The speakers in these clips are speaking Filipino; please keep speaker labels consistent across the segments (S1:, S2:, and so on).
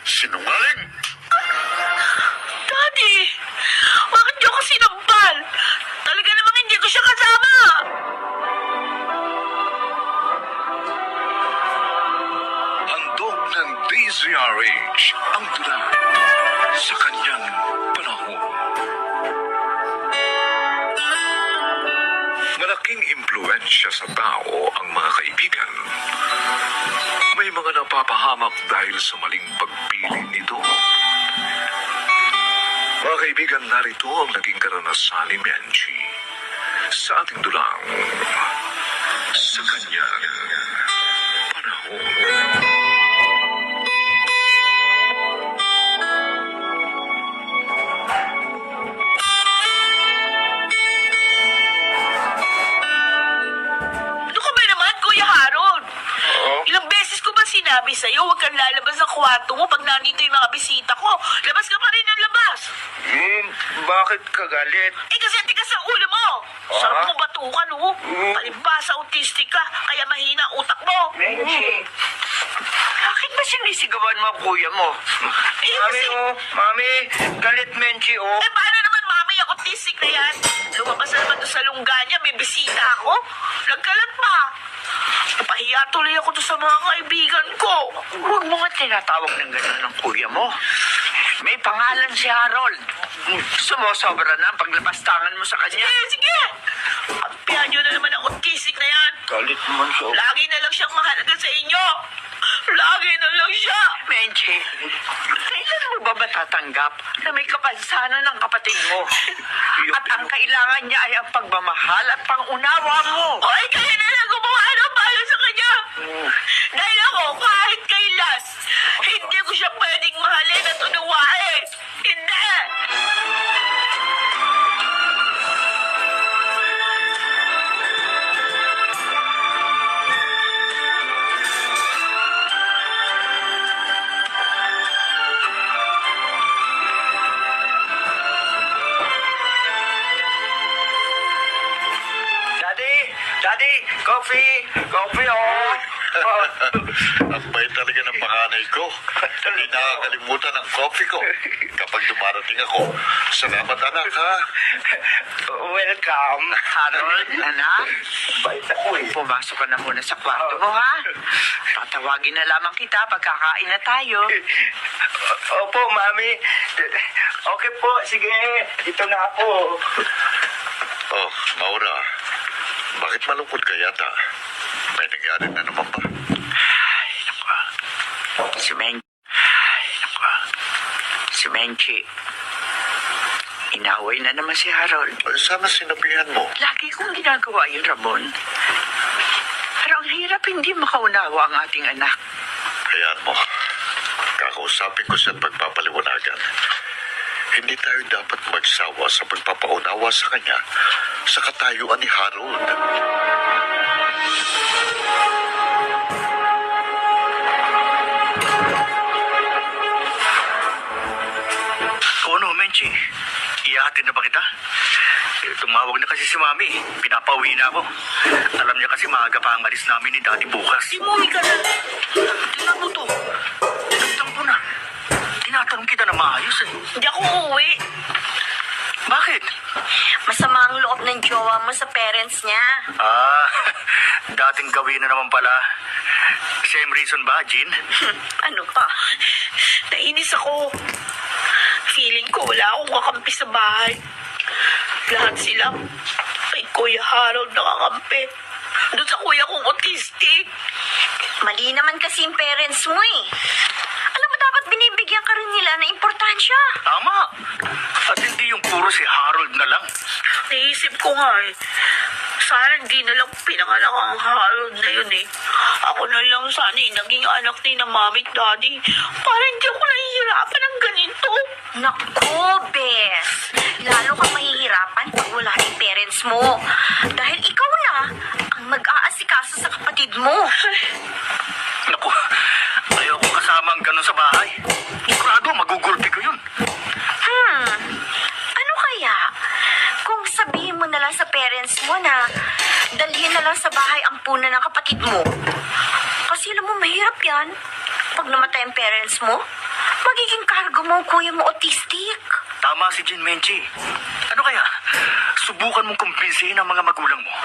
S1: Sinungaling!
S2: Daddy, bakit niyo ako sinampal? Talaga namang hindi ko siya kasama.
S1: Handog ng DZRH ang tula sa kanyang panahon. Malaking impluensya sa tao ang mga kaibigan. May mga napapahamak dahil sa maling pagpili nito. Mga kaibigan, narito ang naging karanasan ni Menchie sa ating dulang sa kanyang panahon.
S2: Ano ka ba naman, Kuya Harold? Ilang beses ko ba sinabi sa'yo, huwag kang lalabas ng kwarto mo pag nandito yung mga bisita ko. Labas ka pa rin ng labas.
S3: Bakit ka galit?
S2: Eh kasi ang tigas ang ulo mo. Sarap mo batukan, oh. Palibasa autistic ka, kaya mahina ang utak mo.
S3: Menchie, bakit ba sinisigawan mo ang kuya mo?
S2: Eh,
S3: Mami,
S2: kasi-
S3: Mami, galit Menchie,
S2: Eh, paano naman, mami, ang autistic na yan? Lumabas na naman doon sa lungga niya, may bisita ako. Nagkalat pa. Napahiya tuloy ako doon sa mga kaibigan ko.
S3: Huwag mo nga tinatawag ng gano'n ng kuya mo. May pangalan si Harold. Sumusobra na ang paglapastangan mo sa kanya.
S2: Sige, sige. Pagpihan niyo na naman ang autistic na yan.
S3: Galit mo siya.
S2: Lagi na lang siyang mahalaga sa inyo. Lagi na lang siya.
S3: Menchie, kailan mo ba matatanggap na may kapansanan ng kapatid mo? At ang kailangan niya ay ang pagmamahal at pangunawa mo.
S2: Hoy, kaya na lang gumawa ng para sa kanya. Dahil ako, kahit kailan, hindi ko siya pwedeng mahalin at unawain. Hindi!
S3: Daddy, coffee, oh.
S1: Ang bait talaga ng panganay ko. Hindi nakakalimutan ang coffee ko kapag dumarating ako. Salamat, anak, ha?
S3: Welcome, Harold. Anak, bait ako eh. Pumasok ka na muna sa kwarto mo, ha? Tatawagin na lamang kita pagkakain na tayo. Opo, Mami. Okay po, sige. Ito na ako.
S1: Oh, Maura, bakit malungkot ka yata? May nangyari na naman ba?
S3: Si Menchie. Inaway na naman si Harold.
S1: Sana sinabihan mo.
S3: Lagi kong ginagawa yun, Ramon. Pero ang hirap hindi makaunawa ang ating anak.
S1: Hayaan mo. Kakausapin ko siya at pagpapaliwanagan. Hindi tayo dapat magsawa sa pagpapaunawa sa kanya sa katayuan ni Harold.
S4: Ano, Menchie? Iyahatid na ba kita? Tumawag na kasi si Mami. Pinapauwi na ako. Alam niya kasi maaga pa ang alis namin ni Daddy bukas.
S2: Umuwi ka na.
S4: Tingnan mo to. Tinagtang ko na. Tinatanong kita na maayos eh.
S2: Hindi ako uuwi.
S4: Bakit?
S5: Masama ang loob ng jowa mo sa parents niya.
S4: Dating gawin na naman pala. Same reason ba, Jean?
S5: Ano pa?
S2: Nainis ako. Feeling ko wala akong kakampi sa bahay. Lahat sila kay Kuya Harold nakakampi. Doon sa kuya kong autistic.
S5: Mali naman kasi yung parents mo eh. Alam mo, dapat binibigyan ka rin nila ng importansya.
S4: Tama. At hindi yung puro si Harold na lang.
S2: Naisip ko nga eh. Sana hindi na lang pinanganak ang Harold na yun eh. Ako na lang sana eh, naging anak ni na mami at daddy. Para hindi ako nahihirapan ng ganito.
S5: Naku, Bes. Lalo kang mahihirapan pag wala yung parents mo. Dahil ikaw na ang mag-aasikaso sa kapatid mo.
S4: Naku, ayoko kasama ang ganun sa bahay. Sigurado, magugulpi ko yun.
S5: Ano kaya? Kung sabihin mo na lang sa parents mo na dalhin na lang sa bahay ang puna ng kapatid mo. Kasi alam mo, mahirap yan. Pag namatay ang parents mo, magiging cargo mo ang kuya mo autistic.
S4: Tama si Jin Menchi. Ano kaya? Subukan mong kumbinsihin ang mga magulang mo.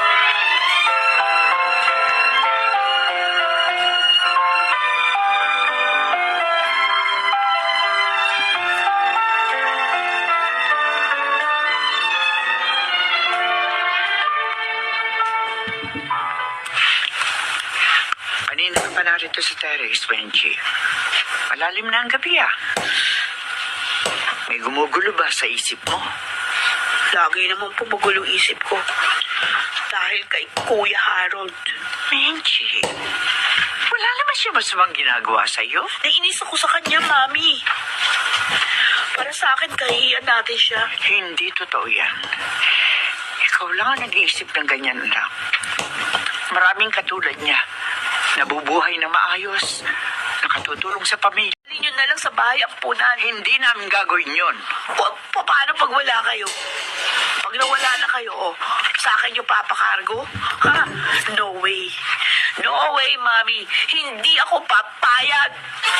S3: Kanina ka pa narito sa terrace, Wenji. Malalim na ang gabi ah. May gumugulo ba sa isip mo?
S2: Lagi naman po magulo isip ko. Dahil kay Kuya Harold.
S3: Wenji, wala naman siya masamang ginagawa sa'yo.
S2: Nainis ako sa kanya, Mami. Para sa akin, kahihiyan natin siya.
S3: Hindi totoo yan. Ikaw lang ang nag-iisip ng ganyan, anak. Maraming katulad niya. Nabubuhay na maayos. Nakatutulong sa pamilya.
S2: Dali nyo na lang sa bahay ang punan.
S3: Hindi namin gagawin yon.
S2: Paano pag wala kayo? Pag nawala na kayo, sa akin yung papakargo? Ha? No way. No way, Mami. Hindi ako papayag.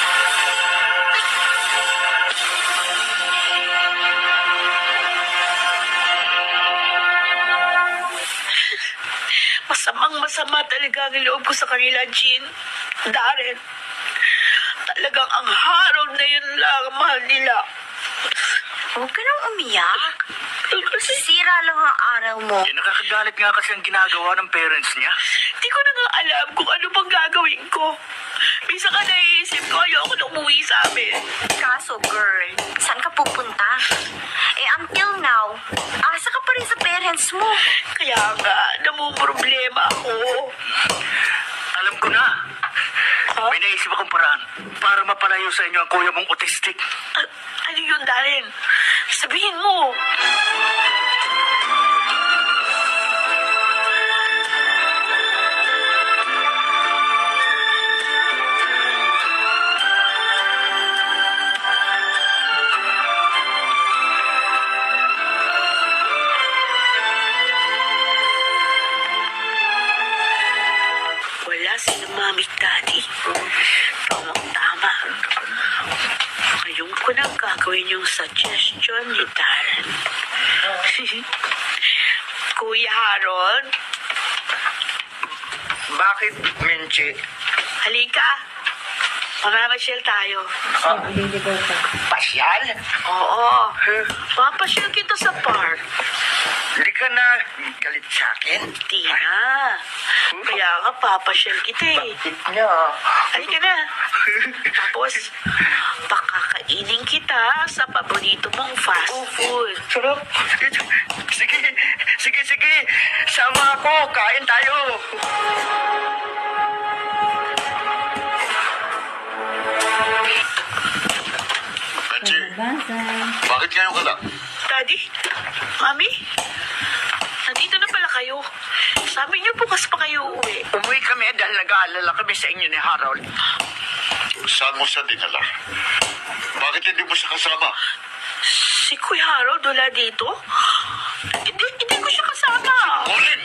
S2: Masamang-masama talaga ang loob ko sa kanila, Jean. Darren. Talagang ang Harold na yun lang ang mahal nila.
S5: Huwag ka nang umiyak. Sira lang ang araw mo.
S4: Eh, nakakagalit nga kasi ang ginagawa ng parents niya.
S2: Di ko na nga alam kung ano pang gagawin ko. Minsan ka naiisip ko, ayoko na umuwi sa amin.
S5: Kaso, girl, saan ka pupunta? Until now, asa ka pa rin sa parents mo.
S2: Kaya nga, namumroblema ako.
S4: Alam ko na. May naisip akong paraan para mapalayo sa inyo ang kuya mong autistic.
S2: Ano yun, Darren? Sabihin mo. Wala sila mami at daddy. Tamang-tama. Ngayon ko na gagawin yung suggestion ni Darren. Kuya Harold,
S3: Bakit, Menchi?
S2: halika. Mamamasyal tayo.
S3: Pasyal?
S2: Oo. Papasyal kita sa park.
S3: Hindi ka na galit sa akin?
S2: Di na. Kaya nga papasyal kita eh.
S3: No.
S2: Halika na. Tapos, pakakainin kita sa paborito mong fast food.
S3: Sarap. Sige, sige, sige. Sama ako. Kain tayo.
S1: Benji, bakit ngayon ka lang?
S2: Daddy? Mami? Nandito na pala kayo. Sabi niyo bukas pa kayo uuwi.
S3: Umuwi kami dahil nag-aalala kami sa inyo ni Harold.
S1: Saan mo siya dinala? Bakit hindi mo siya kasama?
S2: Si Kuya Harold wala dito? Hindi ko siya kasama.
S1: Colin!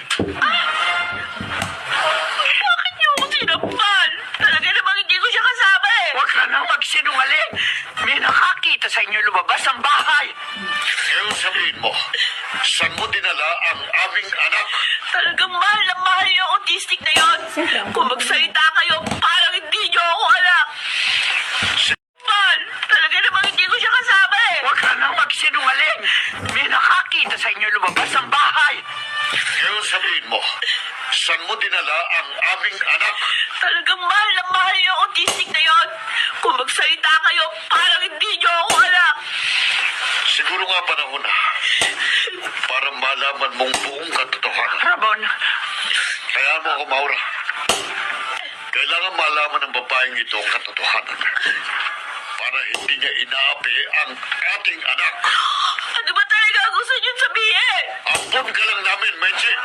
S2: Bakit niyo ako sinampal? Talaga namang hindi ko siya kasama eh.
S3: Huwag ka nang magsinungaling. May nakakita sa inyo lumabas ang bahay.
S1: Ngayon sabihin mo, saan mo dinala ang aming anak?
S2: Talagang mahal na mahal yung autistic na yon. Kung magsalita kayo, parang hindi niyo ako anak. Mahal, talaga namang hindi ko siya kasama eh.
S3: Huwag ka nang magsinungaling. May nakakita sa inyo lumabas ang bahay.
S1: Ngayon sabihin mo, saan mo dinala ang aming anak?
S2: Talagang mahal na mahal yung autistic na yon. Kung magsalita kayo, parang hindi niyo ako anak.
S1: Siguro nga panahon na para malaman mong buong katotohanan.
S3: Ramon,
S1: Kaya mo ako, Maura. Kailangan malaman ng babaeng ito ang katotohanan para hindi niya inaapi ang ating anak.
S2: Ano ba talaga ang gusto niyo sabihin?
S1: Ampun ka lang namin, Menchi.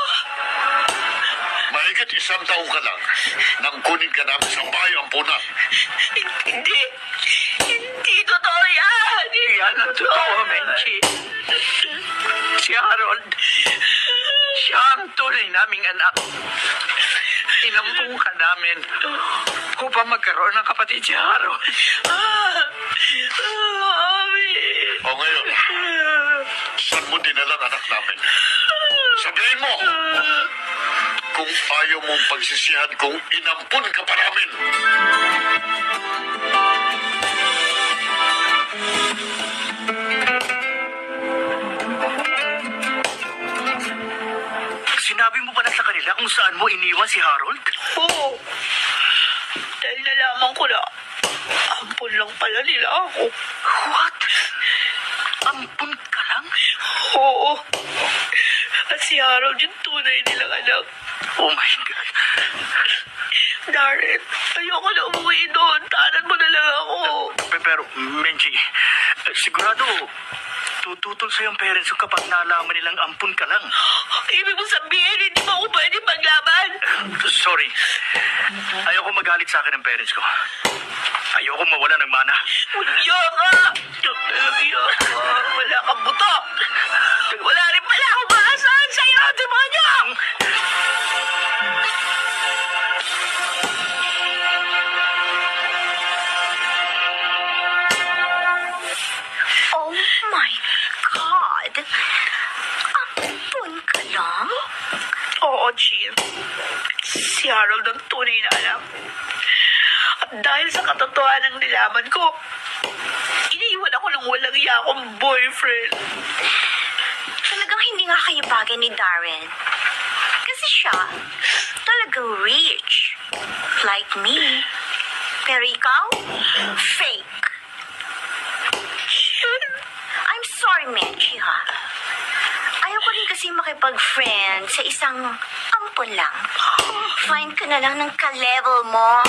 S1: Mahigit 1 taong ka lang nang kunin ka namin sa bahay ampunan.
S2: Hindi. Hindi totoo yan.
S3: yan ang totoo, Menchi. Si Harold, siya ang tunay naming anak. Inampung ka namin upang magkaroon ng kapatid si Harold.
S1: kung ayaw mong pagsisihan kung inampun ka pa namin.
S4: Sinabi mo ba na sa kanila kung saan mo iniwan si Harold?
S2: Oo. Dahil nalaman ko na, ampun lang pala nila ako.
S4: What? Ampun ka lang?
S2: Oo. At si Harold yung tunay nilang anak.
S4: Oh my God.
S2: Darren, ayoko na umuwi doon. Tanan mo na lang ako.
S4: Pero, Menchi, sigurado, tututol sa'yo ang parents ko kapag nalaman nilang ampun ka lang.
S2: Ibig mo sabihin, hindi mo ako pwede maglaban?
S4: Sorry. Ayoko magalit sa akin ng parents ko. Ayoko mawala ng mana.
S2: Unya ka! Unya ka! Wala kang buto! Wala rin pala akong maasahan sa'yo, demonyo!
S5: Oh my God! Ampun ka lang?
S2: Oo, Jill. Si Harold ang tunay na anak. At dahil sa katotohanan ng nilaman ko, iniiwan ako ng walang iya akong boyfriend.
S5: Talagang hindi nga kayo bagay ni Darren. Kasi siya, talagang rich. Like me. Pero ikaw, fake. I'm sorry, Menchi, ha? Ayaw ko rin kasi makipag-friend sa isang ampon lang. Find ka na lang ng ka-level mo.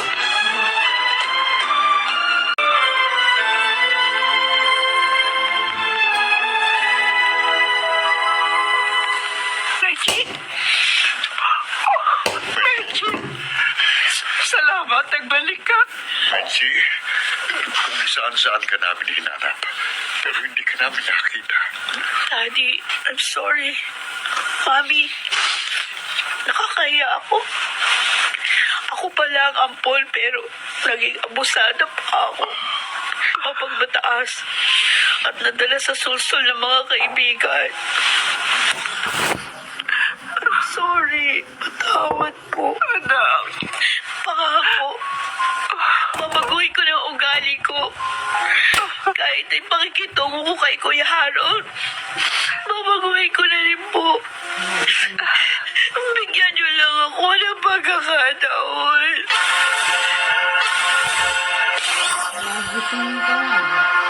S2: Reggie? Reggie? Salamat, nagbalik ka.
S1: Benji, kung saan-saan ka namin hinanap, pero hindi ka namin nakita.
S2: Daddy, I'm sorry. Mami, nakakaya ako. Ako pala ang ampon pero naging abusada pa ako. Kapag mataas at nadala sa sulsol ng mga kaibigan. I'm sorry. Patawad po. Anak. Pangako. Babaguhin ko na ang ugali ko. Kahit ay pakikitungo ko kay Kuya Harold. Babaguhin ko na rin po. Bigyan niyo lang ako ng pagkakataon.